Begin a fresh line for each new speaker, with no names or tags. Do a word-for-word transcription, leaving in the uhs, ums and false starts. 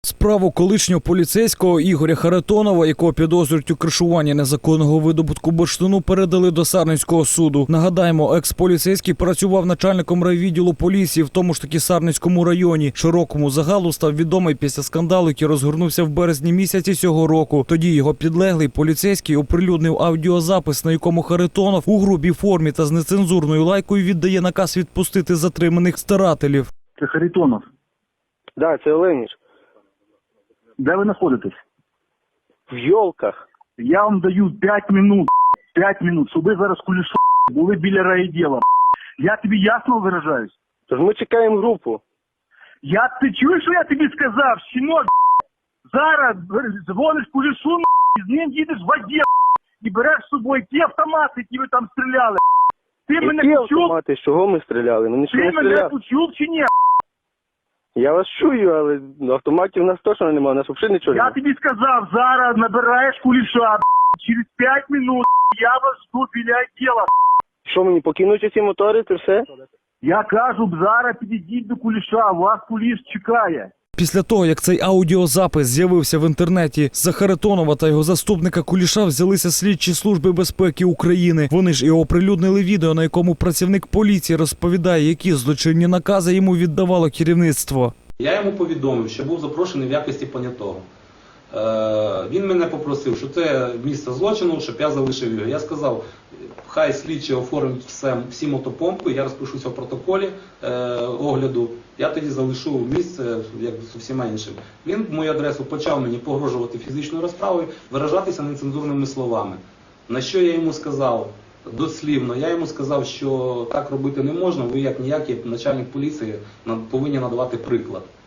Справу колишнього поліцейського Ігоря Харитонова, якого підозрюють у кришуванні незаконного видобутку бурштину, передали до Сарненського суду. Нагадаємо, екс-поліцейський працював начальником райвідділу поліції в тому ж таки Сарненському районі. Широкому загалу став відомий після скандалу, який розгорнувся в березні місяці цього року. Тоді його підлеглий поліцейський оприлюднив аудіозапис, на якому Харитонов у грубій формі та з нецензурною лайкою віддає наказ відпустити затриманих старателів.
Це Харитонов.
Да, це Оленіч.
Де ви знаходитесь?
В Йолках.
Я вам даю п'ять минут, п'ять минут, щоб ви зараз кулішо були біля райвідділу. Я тобі ясно виражаюсь?
Тож ми чекаємо групу.
Я, ти чуєш, що я тобі сказав, щінок? Зараз дзвониш кулішу, з ним їдеш в воді і береш з собою ті автомати, які ви там стріляли. Ти
Які
мене почув?
автомати? З чого ми стріляли? Ми
Ти
нічого не
мене
стріляли.
почув чи ні?
Я вас чую, але автоматів у нас точно немає, у нас взагалі нічого
Я
немає.
тобі сказав, зараз набираєш куліша, через п'ять минут я вас жду біля діла.
Що мені, покинуть ці мотори, це все?
Я кажу, зараз підійдіть до куліша, вас куліш чекає.
Після того, як цей аудіозапис з'явився в інтернеті, за Харитонова та його заступника Куліша взялися слідчі служби безпеки України. Вони ж і оприлюднили відео, на якому працівник поліції розповідає, які злочинні накази йому віддавало керівництво.
Я йому повідомив, що був запрошений в якості понятого. Е, він мене попросив, що це місце злочину, щоб я залишив його. Я сказав, хай слідчі оформить все, всі мотопомпи, я розпишуся в протоколі е, огляду, я тоді залишу місце, як з усіма іншими. Він в мою адресу почав мені погрожувати фізичною розправою, виражатися нецензурними словами. На що я йому сказав? Дослівно, я йому сказав, що так робити не можна, ви як ніякий начальник поліції повинні надавати приклад.